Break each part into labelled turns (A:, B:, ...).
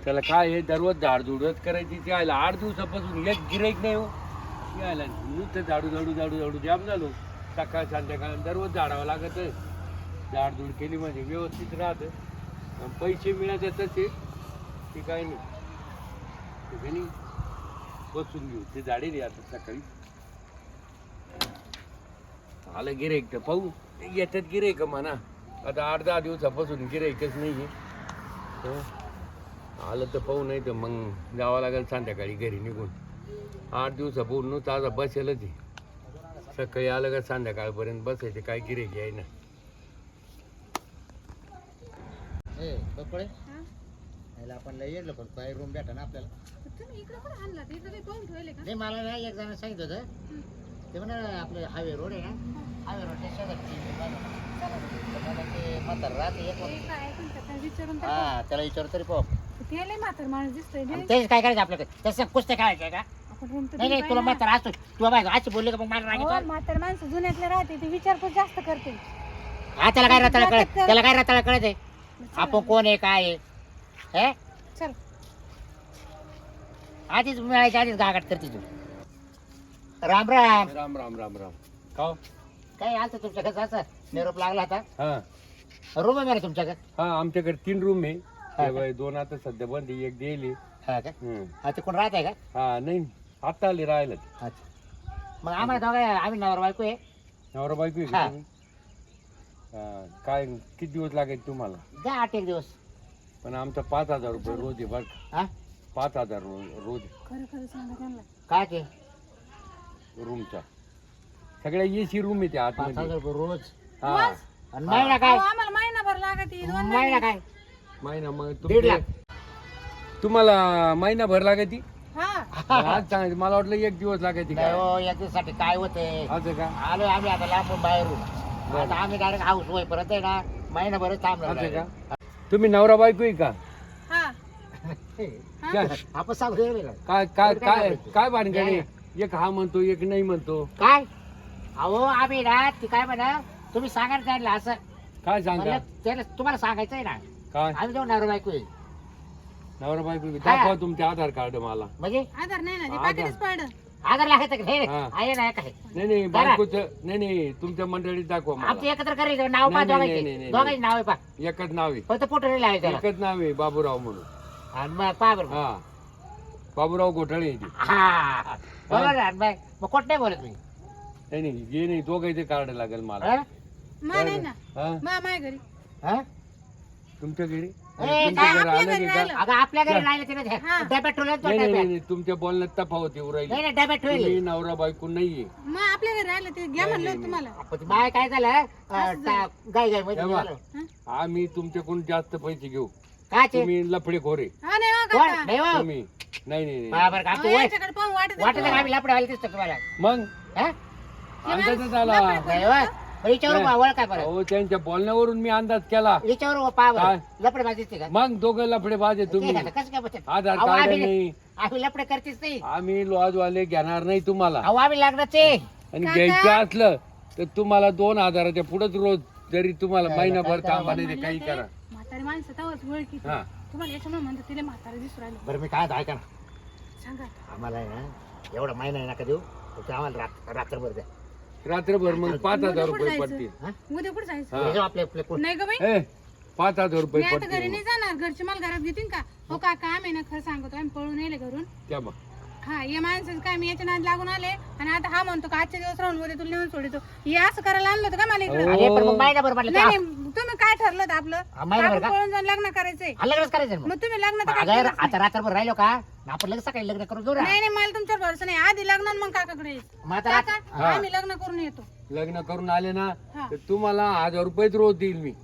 A: त्याला काय आहे दररोज झाडझुडच करायची ती आयला 8 दिवसापासून एक गिराईक नाही हो यायला नुसतं झाडू झाडू झाडू झाडू जाम झालो सकाळ संध्याकाळ दररोज झाडावं लागत झाडझुड केली म्हणजे व्यवस्थित राहतं पैसे मिळाले तसे ते काय नाही बसून घेऊ ते झाडे रे आता सकाळी आलं गिराईक तर पाहू येतात गिराईक म्हणा आता 8-10 दिवसापासून गिराईकच नाही आहे आलं तर पाहू नाही तर मग जावं लागेल संध्याकाळी घरी निघून 8 दिवसापासून नुसतं आता बसेलच आहे सकाळी आलं का संध्याकाळपर्यंत बसायचे काय गिराईक आहे ना
B: आपण लय येलो पण काय रूम भेटा ना आपल्याला
C: तुम्ही इकडे पण आणला इकडे काही पाहून ठेवले का
B: नाही मला ना एक जण सांगितलं होतं ते म्हणा आपलं हायवे रोड आहे ना हायवे रोडच्या शेजारची ते म्हातार राहते
C: विचारून
B: हा त्याला विचारू तरी पाहू
C: ते लय म्हातार माणूस दिसतोय
B: तेच काय करायचं आपल्याकडे तसं कुस्ते खेळायचं का
C: आपण रूम
B: नाही नाही तुला म्हातार असतो तुला बायको अशी बोलली का मग मला राग येतो
C: म्हातार माणसं जुन्यातले राहते ते विचारपूस जास्त करते
B: हा त्याला काय रताळा कळत त्याला काय रताळा कळत आहे आपण कोण आहे काय आहे
C: चल
B: आधीच मिळायच्या आधीच गागाट करते तू राम राम
A: राम राम राम राम का
B: काय आलं तुमच्या कसं असं निरोप लागला होता
A: हा
B: रूम आहे मला तुमच्याकडे
A: हा आमच्याकडे 3 रूम आहे त्यावेळी 2 आता सध्या बंद आहे, एक दिली
B: हा का हा ते कोण राहत आहे का
A: हा नाही आता आली राहिलं
B: अच्छा मग आम्हाला दोघं आम्ही नवरा बायको आहे
A: नवरा बायको आहे का तुम्ही? हा, काय किती दिवस लागेल तुम्हाला
B: द्या 8 दिवस
A: पण आमचा 5,000 रुपये रोज आहे बरं का.
B: हा
A: 5,000 रोज
C: खरं खरं सांगा त्यांना
B: काय ते
A: रूमचा सगळ्या एसी रूम आहे त्या
B: 5,000
A: आतमध्ये
B: रुपये रोज
A: हा
B: आणि महिना काय
C: आम्हाला महिनाभर लागत
B: महिना काय
A: महिना मग
B: 1.5 लाख
A: तुम्हाला महिना भर लागायची
C: हा
A: आज सांगायचं मला वाटलं 1 दिवस लागायची
B: नाही
A: काय
B: हो याच्यासाठी काय होतंय
A: असं का
B: आलो आम्ही आता लांबून बाहेरून आता आम्ही डायरेक्ट हाऊस होई परत आहे ना महिनाभरच थांबणार
A: असं का तुम्ही नवरा बायको आहे का
C: हा
A: काय
B: आपण सांगू
A: काय काय काय काय भानगडे एक हा म्हणतो एक नाही म्हणतो
B: काय अहो आम्ही ना ती काय म्हणा तुम्ही सांगा ना त्यांना असं
A: काय सांगा
B: म्हणलं त्याला तुम्हाला सांगायचं आहे ना
A: काय
B: आम्ही जाऊन नवरा बायको आहे
A: नवरा बायको दाखवा तुमचे आधार कार्ड मला
B: म्हणजे
C: आधार नाही ना ते पाकिटच पडलं
B: आधार लागायचं का हे
A: हा.
B: आहे ना काय
A: नाही नाही बायकोच नाही नाही तुमच्या मंडळीत दाखवा
B: आमचं
A: मला
B: एकत्र करायचं नाव पा
A: नाही, नाही,
B: दोघांचे
A: नाही,
B: दोघांचे नाव आहे पा
A: एकच नाव आहे
B: फक्त फोटो नाही लावायचं त्याला
A: एकच नाव आहे बाबूराव म्हणून
B: आणि मग पा बरं
A: हा बाबूराव घोटाळे आहे ते.
B: हा बरोबर आहे. आणि मग कोट नाही बोलत मी
A: नाही नाही हे नाही दोघांचे कार्ड लागेल मला
B: हा?
C: मा नाही ना
A: हा
C: मा माय घरी
B: हा?
A: तुमच्या घरी
B: ए,
A: तुमच्या
B: काय
A: घरी
C: आपल्या
A: आलं
C: घरी
A: नाही का
C: राहिलं?
B: अगं आपल्या घरी राहिलं तिने
A: हा.
B: डब्यात ठेवलं तो
A: नाही नाही
B: डब्यात
A: नाही तुमच्या बोलण्यात तफावत येऊ राहिली
B: नाही नाही डब्यात
A: तुम्ही
B: ठेवली
A: नवरा बायको नाहीये
C: मग आपल्या घरी राहिलं ते घ्या म्हणलं होतं तुम्हाला
B: आपण बाय काय झालं गाय गाय मध्ये
A: तेव्हा.
B: झालं.
A: आम्ही तुमच्याकडून जास्त पैसे घेऊ
B: काय ते
A: तुम्ही लफडे खोरे
C: हा नाही हो
B: कोण
C: काका
B: नाही हो
A: तुम्ही नाही नाही नाही.
B: बरोबर का तू
C: अहो,
B: वय
C: याच्याकडे पाहून वाटत
B: वाटत का आम्ही लपडे व्हायला दिसतो तुम्हाला
A: मग
B: हा?
A: अंदाजच आला
B: नाही हो पण हिच्यावर
A: नाही.
B: वळ काय बरं
A: अहो त्यांच्या बोलण्यावरून मी अंदाज केला
B: हिच्यावर पा
A: काय?
B: बरं लपडे व्हायला दिसते का
A: मग दोघं लफडे बाजे तुम्ही
B: ठीक आहे, कसं काय बघते
A: आधार
B: अहो,
A: कार्ड
B: आम्ही-
A: नाही
B: आम्ही लपडे करतेच नाही
A: आम्ही लॉजवाले घेणार नाही तुम्हाला
B: अहो आम्ही लग्नाचे
A: आणि
C: काका?
A: घ्यायचं असलं तर तुम्हाला 2,000च्या पुढेच रोज जरी तुम्हाला महिनाभर थांबा नाही ते काही करा
C: म्हातारी माणसं तवच ओळखी
A: हा
C: तुम्हाला याच्यामुळे म्हणतो तिला म्हातारा दिसू राहिलं
B: बरं मी काय ऐका ना
C: सांगा
B: आम्हाला आहे ना एवढा महिना आहे नका देऊ फक्त आम्हाला रात्रभर द्या
A: रात्रभर मग 5,000 रुपये
C: जायचं?
A: पडतील
B: हा?
C: उद्या कुठे जायचं
A: हा.
B: हे जाऊ आपले आपले कोण
C: नाही ग बाई
A: ए 5,000 रुपये
C: मी आता घरी
A: पडतील
C: नाही जाणार घरचे मला घरात घेतील का हो काका आम्ही ना खरं सांगतो आम्ही पळून येले घरून
A: त्या बघ
C: हा या माणसाचं काय मी याच्या नाद लागून आले आणि आता हा म्हणतो का आजच्या दिवस राहून उद्या तुला नेऊन सोडतो हे असं करायला आणलं होतं का मला इकडे
B: अरे पण मग महिनाभर म्हटलं
C: नाही
B: तर
C: नाही तुम्ही काय ठरलं होतं आपलं
B: हा, महिनाभर
C: आपण
B: का?
C: पळून जाऊन लग्न करायचंय
B: लग्नच करायचं ना मग.
C: मग तुम्ही लग्न तर
B: मग
C: काय
B: अगं,
C: केलंच नाही.
B: आता रात्रभर राहिलो का आपण लगेच सकाळी लग्न करून घेऊ ना
C: नाही नाही मला तुमच्यावर भरोसा नाही आधी लग्न आणि मग काकाकडे यायचं.
B: मग आता रात-
C: काका
A: हा.
C: आम्ही लग्न करून येतो
A: लग्न करून आले ना
C: हा.
A: तर तुम्हाला 1,000 रुपयेच रोज देईल मी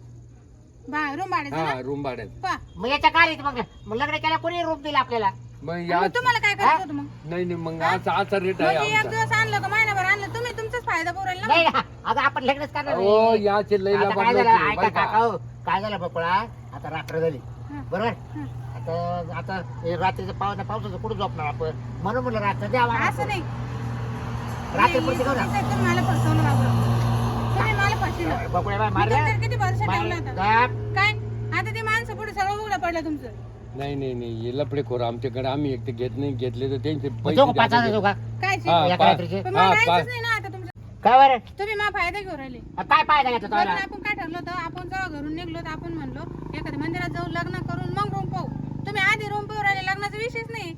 C: रूम भाड्याचं
A: हा
C: ना
A: रूम भाड्यात
C: पहा.
B: मग याच्या काय रे मग लग्न केल्या कोणी रूप दिला आपल्याला
A: मग
C: आणि
A: या
C: मग तुम्हाला काय करायचं होतं मग
A: नाही नाही मग असा रेट आहे
C: म्हणजे एक
A: आमचा
C: दिवस आणलं का महिनाभर आणलं तुम्ही तुमचाच फायदा पुरेल ना
B: नाही ना अगं आपण लग्नच करणार
A: हो
B: नाही.
A: याचे लई
B: आता
A: लाभार
B: काय
A: लोक
B: झालं
A: आहे,
B: ऐका
A: बरं का?
B: काका हो, काय झालं बकुळा आता रात्र झाली
C: हा.
B: बरोबर
C: हा.
B: आता आता हे रात्रीचं पावसाचं कुठं झोपणार आपण म्हणून म्हणलं रात्र द्यावा
C: असं नाही
B: रात्री
C: नाही,
B: पुढची घेऊ ना
C: तुम्ही मला फसवलं बाबा तुम्ही मला फसवलं
B: बकुळा बाय
C: मी
B: मारल्या
C: तुमच्यावर किती भरोसा ठेवला होता
B: मारल्या.
C: काय आता ते माणसं पुढे सगळं उघडं पडलं तुमचं
A: नाही नाही नाही हे लफडेखोर आमच्याकडे आम्ही एक तर घेत नाही, घेतले तर त्यांचे
B: मग
A: पैसे
B: देऊ का
A: द्यायला
B: 5,000 देऊ का
C: काय
A: हा,
B: एका
A: पा-
B: रात्रीचे?
C: पण
A: हा,
C: मला
A: पा-
C: राहायचंच नाही ना आता तुमच्या
B: काय बरं
C: तुम्ही मा फायदा घेऊन राहिले.
B: काय फायदा घेतला
C: बरं,
B: तुम्हाला
C: आपण काय ठरलं होतं, आपण जेव्हा घरून निघलो तर आपण म्हणलो एखाद्या मंदिरात जाऊ, लग्न करून मग रूम पाहू. तुम्ही आधी रूम पाहू राहिले, लग्नाचा विषयच नाही.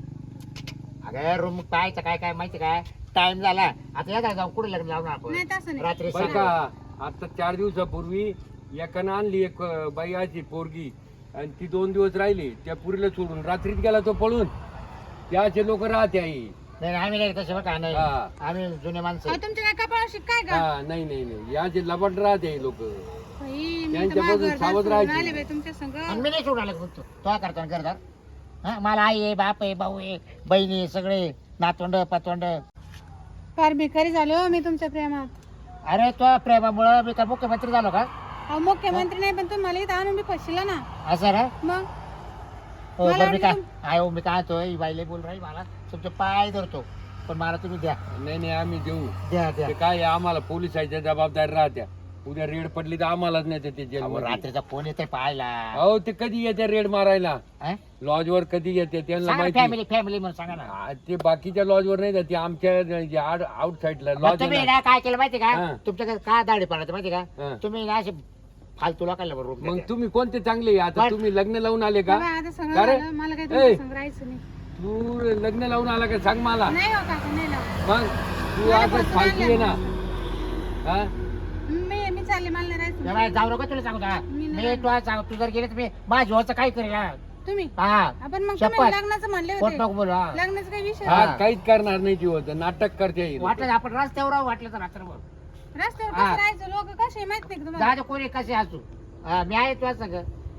B: अगं रूम पाहायचं काय काय माहिती काय टाइम झाला आता या जाऊ कुठे लग्न लावणार आपण
C: नाही तसं नाही.
B: रात्री
A: बरं का आता 4 दिवसापूर्वी एकानं आणली एक बाई आजी पोरगी आणि ती 2 दिवस राहिली, त्या पुरीला सोडून रात्रीत गेला तो पळून. त्याचे लोक राहते आई.
B: नाही आम्ही नाही तसे बघा नाही
A: हा.
B: आम्ही जुने माणसं
C: अहो, तुमच्या काय कपाळाशी काय का
A: हा नाही नाही नाही याचे लबाड राहते लोक.
C: बाई, मी तर
A: त्यांच्यापासून
C: माझं घरदार
A: सावध
C: सोडून
A: राहायचं.
C: आले बाई तुमच्या संग.
B: आणि मी नाही सोडून आलो फक्त तो करतो ना घरदार हा मला आई आहे बाप आहे भाऊ आहे बहिणी आहे, सगळे नातवंड पातवंड
C: फार भिकारी झाले हो मी तुमच्या प्रेमात.
B: अरे तो प्रेमामुळं मी का मुख्यमंत्री झालो का
C: अहो, मुख्यमंत्री नाही पण तुम्ही मला इथं आणून मी फसला ना.
B: असं ना
C: मग
B: हो
C: मला
B: बरं मी काय
C: वाटलं
B: आय हो मी काय तो ही बाईले बोल राही मला तुमचे पाय धरतो पण मला तुम्ही द्या
A: नाही नाही आम्ही देऊ.
B: द्या द्या
A: ते काय आहे, आम्हाला पोलिसाच्या जबाबदारी राहत्या. उद्या रेड पडली तर आम्हालाच नाही ते
B: अहो,
A: जेलमध्ये.
B: रात्रीचा फोन येते पाहायला
A: अहो ते कधी येते रेड मारायला, लॉज वर कधी येते त्यांना माहिती.
B: फॅमिली फॅमिली म्हणून सांगा ना
A: हा, ते बाकीच्या लॉज वर नाही जात, ते आमच्या आउट साइडला
B: मग
A: लॉज
B: तुम्ही ना काय केलं माहिती का
A: हा.
B: तुमच्याकडे काय दाढी पडायचं माहिती
A: हा.
B: का तुम्ही ना असे फालतू लोकांना बरोबर
A: मग तुम्ही कोणते चांगले आता
B: पण-
A: तुम्ही लग्न लावून आले का?
C: बाबा, आता सगळं
A: का रे?
C: झालं, मला काय
A: ए.
C: तुमच्या संग राहायचं नाही.
A: तू लग्न लावून आला का सांग मला.
C: नाही हो काका, नाही लावत.
A: मग तू
C: मला
A: आता
C: फसवून
A: फालतू आहे ना. हा
C: मी चालले, मला नाही राहायचं.
B: तेव्हा जाऊ नका तुला सांगू का
C: मी
B: मी
C: नाही
B: तुला सांग तू जर गेले तर मी माझ्या जीवाचं काय करेल हा?
C: तुम्ही
B: हा
C: आपण मग
B: शपथ.
C: तुम्ही लग्नाचं म्हणले
B: खोट
C: होते.
B: नको बोलू हा.
C: लग्नाचा काही विषय
A: हा
C: नाही.
A: काहीच करणार नाही ती होत, नाटक करते ही लोकं.
B: वाटलं आपण रस्त्यावर राहू, वाटलं तर रात्रभर
C: रस्त्यावर
B: हा.
C: कसं राहायचं, लोक कसे आहे माहित नाही का तुम्हाला?
B: जा कोणी कसे असू हा मी आहे तुला सगळं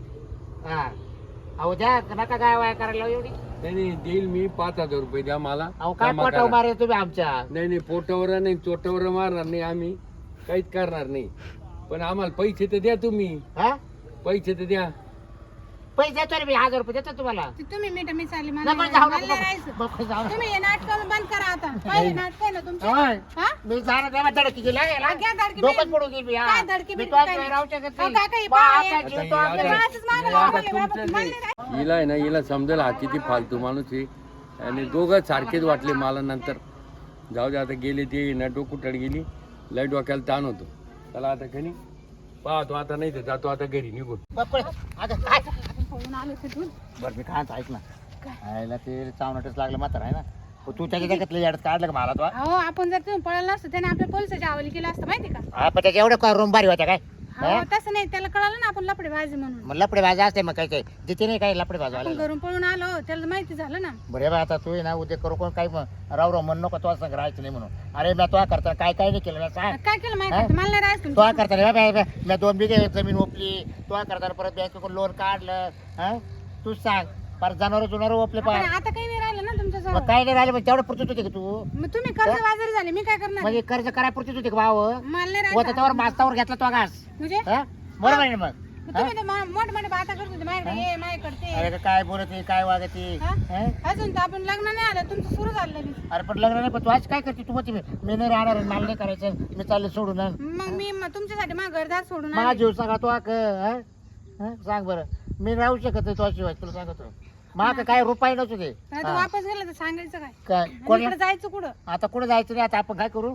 B: हा अहो द्या नका काय वाया करायला लावू एवढी
A: नाही नाही देईल मी 5,000 रुपये द्या मला.
B: अहो काय
A: जमा
B: पोटाव
A: करा.
B: मारे तुम्ही आमच्या
A: नाही नाही पोटावर नाही चोटावर मारणार नाही आम्ही, काहीच करणार नाही. पण आम्हाला पैसे तर द्या तुम्ही,
B: हा
A: पैसे तर द्या.
B: पैसे देतो रे मी 1,000 रुपये देतो तुम्हाला
C: ते तुम्ही मीठ मी चालले, मला
B: नको
C: नाही
B: जाऊ
C: मला नाही
B: नको
C: राहायचं.
B: नको जाऊ नको.
C: तुम्ही हे नाटक बंद करा आता. पहिले नाटक आहे ना तुमचं.
B: होय.
C: हा?
B: मी जाणार तेव्हा धडकी गेला
C: हा, घ्या धडकी.
B: डोकंच पडून गेली मी, हा.
C: काय धडकी
B: मी
C: बिडकी
B: तुझ्या
C: काय?
B: शिवाय राहू शकत
C: अहो,
B: नाही.
C: काका, हे
B: बा,
C: पाय
B: आता
C: आहे.
B: जीव
A: आता
B: तो
A: हे
B: आपल्या-
A: आता-
C: असंच मागं
A: हे
C: लावा,
A: आता
C: बाबा,
A: तुमचं
C: मला
A: ते-
C: नाही राहायचं.
A: हिला आहे ना हिला समजेल हा किती फालतू माणूस आहे. आणि दोघं सारखेच वाटले मला नंतर. जाऊ दे आता गेले ते ना डोकुटड गेली, लाईट डोक्याला ताण होतो. चला आता घरी पाहतो, आता नाही तर जातो आता घरी निघून.
B: बापरे, अगं काय
C: आपण पळून आलो तिथून.
B: बरं मी काय ऐक ना आयला ते चावनटच लागलं म्हातार आहे ना हो, तू त्याच्या जगातलं याडत काढलं का मला तो
C: अहो, आपण जर तुम्ही पळालं नसतं त्याने आपल्या पोलिसाच्या हवाली केलं असतं माहिती का?
B: हा पण त्याच्या एवढं रूम भारी होत्या काय
C: हो, तसं नाही, त्याला कळालं ना आपण लपडे बाजी म्हणून.
B: मग लपडे भाजी असते मग काय काय जिथे नाही काय लपडे भाजी
C: आपण
B: आले
C: घरून पळून आलो, त्याला माहिती झालं ना.
B: बरे बा आता तू आहे ना उद्या करू कोण काही राव राव म्हण नको तो संग राहायचं नाही म्हणून अरे मी तो करता काय काय नाही केलं ना सांग
C: काय केलं माहिती
B: हा?
C: का? मला नाही राहायचं
B: तो
C: तुमच्या
B: करता रे मी 2 बिघे जमीन ओपली तो करता परत बँकेकडून लोन काढलं हा तूच सांग पर जनावर ओपले
C: आपण
B: पाय
C: आता काही नाही राहिलं ना तुमच्या
B: मग
C: जवळ.
B: काय नाही राहिले मग तेवढं पुरतीच होते का तू
C: मग तुम्ही कर्ज बाजारी झाले, मी काय करणार?
B: म्हणजे कर्ज कराय पुरतीच होते का भाव
C: मला नाही
B: होता
C: राहायचं.
B: त्यावर मास्तावर घेतला तो घास
C: म्हणजे
B: हा? बरोबर आहे ना मग
C: मग तुम्ही तर मोठ मोठे बाता करत होते माझ्याकडे, ये माझ्याकडे
B: अरे
C: ते.
B: का काय बोलते काय वागते
C: हा?
B: हा?
C: अजून तर आपण लग्न नाही आलं, तुमचं सुरू झालं लगेच.
B: अरे पण लग्न नाही पण तू आज काय करते तू म्हणते मी नाही राहणार मला नाही करायचं मी चालले सोडून
C: मग मी तुमच्यासाठी माझं घरदार सोडून
B: माझा
C: आले.
B: जीव सांगा तो सांग बरं मी राहू शकत नाही तो शिवाय तुला सांगतो मग काय रुपये नसू दे
C: नाही तर वापस गेलं तर सांगायचं काय?
B: काय
C: आणि
B: कोण
C: इकडे जायचं कुठं?
B: आता कुठं जायचं नाही आता आपण काय करू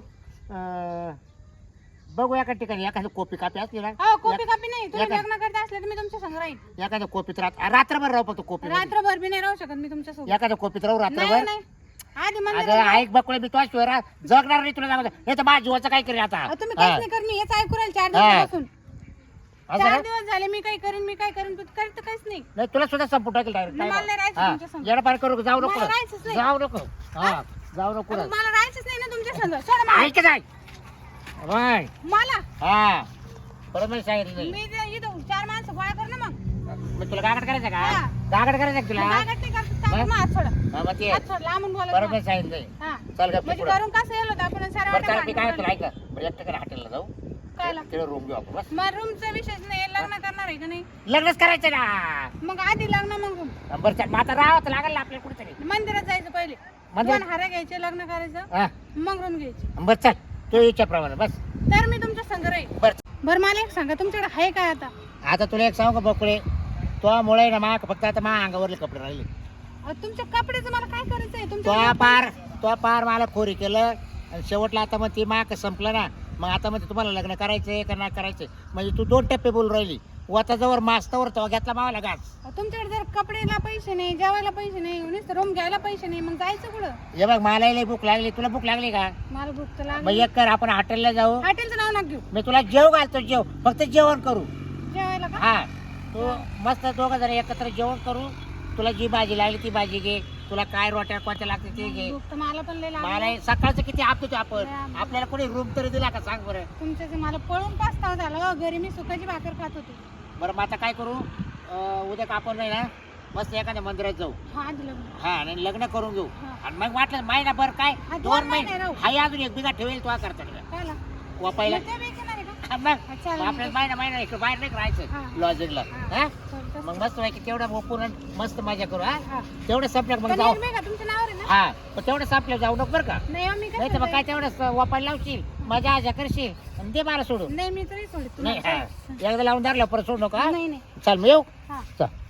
B: बघू एका ठिकाणी एखादी कॉपी कापी असली ना
C: हो, कॉपी कापी नाही. तुम्ही
B: एका-
C: लग्न करता असले तर मी तुमच्या संग राहील.
B: एखाद्या कॉपीत रात्रभर राहू फक्त कॉपी
C: रात्रभर बी नाही राहू शकत मी तुमच्या सोबत.
B: एखाद्या कॉपीत राहू
C: नाही
B: रात्रभर
C: नाही, आधी
B: अगं
C: मंदिरात
B: ऐक बकुळे मी तो शिवाय जगणार नाही तुला सांगतो नाही तर माझ्या जीवाचं काय करेल आता
C: अहो, तुम्ही
B: हा.
C: काहीच नाही करणी, हेच ऐकू राहील 4
B: हा.
C: दिवसापासून.
B: असं
C: 4
B: ना?
C: दिवस झाले मी काय करीन, मी काय करीन, तू करत काहीच नाही.
B: नाही तुला सुद्धा संपून टाकेल
C: मला नाही राहायचं तुमच्या संग.
B: येणं पार करू जाऊ नको
C: मला राहायचंच नाही.
B: जाऊ नको हा जाऊ नको
C: अहो, मला राहायचंच नाही ना तुमच्या संग. सोडा मला.
B: ऐक जाय बाय
C: मला
B: हा परत मी सांगितलं नाही
C: मी ते इथं 4 माणसं गोळा कर ना मग.
B: मग तुला गागड करायचं का
C: हा.
B: गागड करायचं का तुला
C: मागत नाही का? सांग मग, हात सोडा.
B: हा, मग ते
C: हात सोड, लांबून बोलत
B: परत
C: नाही.
B: मी सांगितलं नाही.
C: हा.
B: चल का
C: म्हणजे
B: पुढं
C: करून कसं येलो होतं आपण साऱ्या
B: बरं चालेल मी काय
C: वाट्या
B: तुला ऐका बरं एक ठिकाणी हॉटेलला जाऊ
C: कायला?
B: तिकडे रूम घेऊ आपण बस
C: मग रूमचा विषयच नाही, लग्न करणार आहे का नाही?
B: लग्नच करायचं ना
C: मग आधी लग्न, मग room.
B: बरं चल मग आता राहावं तर लागेल ना आपल्याला कुठेतरी
C: मंदिरात जायचं पहिले,
B: मंदिरात?
C: 2 हारा घ्यायचे, लग्न करायचं,
B: हा
C: मग रूम घ्यायची.
B: बरं चल तू इच्छाप्रमाणे बस
C: तर मी तुमच्या संग राहील.
B: बरं
C: बरं मला एक सांगा, तुमच्याकडे आहे काय आता?
B: आता तुला एक सांगू का बकुळे तो मुळे ना मा फक्त आता मा अंगावरले कपडे राहिले.
C: तुमच्या कपड्याचं मला काय करायचंय
B: तो
C: तुमच्या
B: पार मला खोरी केलं आणि शेवटला आता मग ती माक संपलं ना. मग आता म्हणजे तुम्हाला लग्न करायचंय का नाही करायचंय म्हणजे तू 2 टप्पे बोलून राहिली. वाताजवळ मास्तवर तो घेतला मावाला घास.
C: तुमच्याकडे जर कपडेला पैसे नाही, जेवायला पैसे नाही, नुसतं रूम घ्यायला पैसे नाही, मग जायचं कुठं?
B: हे बघ मला लई भूक लागली. तुला भूक लागली का?
C: मला भूक तर
B: मग
C: लागली.
B: एक कर आपण हॉटेलला जाऊ.
C: हॉटेलचं नाव नका घेऊ.
B: मी तुला जेव घालतो. जेव फक्त जेवण करू.
C: जेवायला का?
B: हा तू मस्त दोघं जण एकत्र जेवण करू. तुला जी भाजी लागली ती भाजी घे. तुला काय रोट्या कोणत्या लागते ते घे.
C: भूक तर मला पण लय लागली.
B: मला सकाळचं किती आपतो आपण.
C: लय
B: आपल्याला कोणी रूम तरी दिला का सांग बरं.
C: तुमच्याचं मला पळून पास्ताव झालं. घरी मी सुकाची भाकर खात होते.
B: बरं मग आता काय करू उद्या का आपण नाही ना मस्त एखाद्या मंदिरात जाऊ.
C: हा दिलं.
B: हा आणि लग्न करून घेऊ.
C: हा.
B: आणि मग वाटलं महिना बरं काय
C: हा,
B: 2
C: 2
B: महिने
C: महिने राहू.
B: हाय अजून 1 बिघा ठेवेल तो करता
C: कायला?
B: वापायला.
C: मग ते बी घेणार आहे का?
B: मग
C: अच्छा, मग
B: आपल्याला महिना इकडे बाहेर नाही
C: हा.
B: राहायचं लॉजिंगला.
C: हा.
B: हा
C: चालतं.
B: मग मस्त पैकी तेवढं ओपून मस्त मजा करू. हा
C: हा.
B: तेवढं संपलं मग
C: पण
B: जाऊ.
C: निर्भय का तुमच्या नावावर आहे ना?
B: हा पण तेवढं संपलं जाऊ नको बरं का.
C: नाही हो, मी
B: नाही तर मग
C: काय
B: काय तेवढं वापायला लावशील मजा आजा करशील आणि दे मला सोडून.
C: नाही मी तरी सोडत
B: नाही
C: तुम्हाला.
B: हा एकदा लावून धरलं परत सोडू नका.
C: नाही नाही.
B: चल मग येऊ.
C: हा.
B: चल.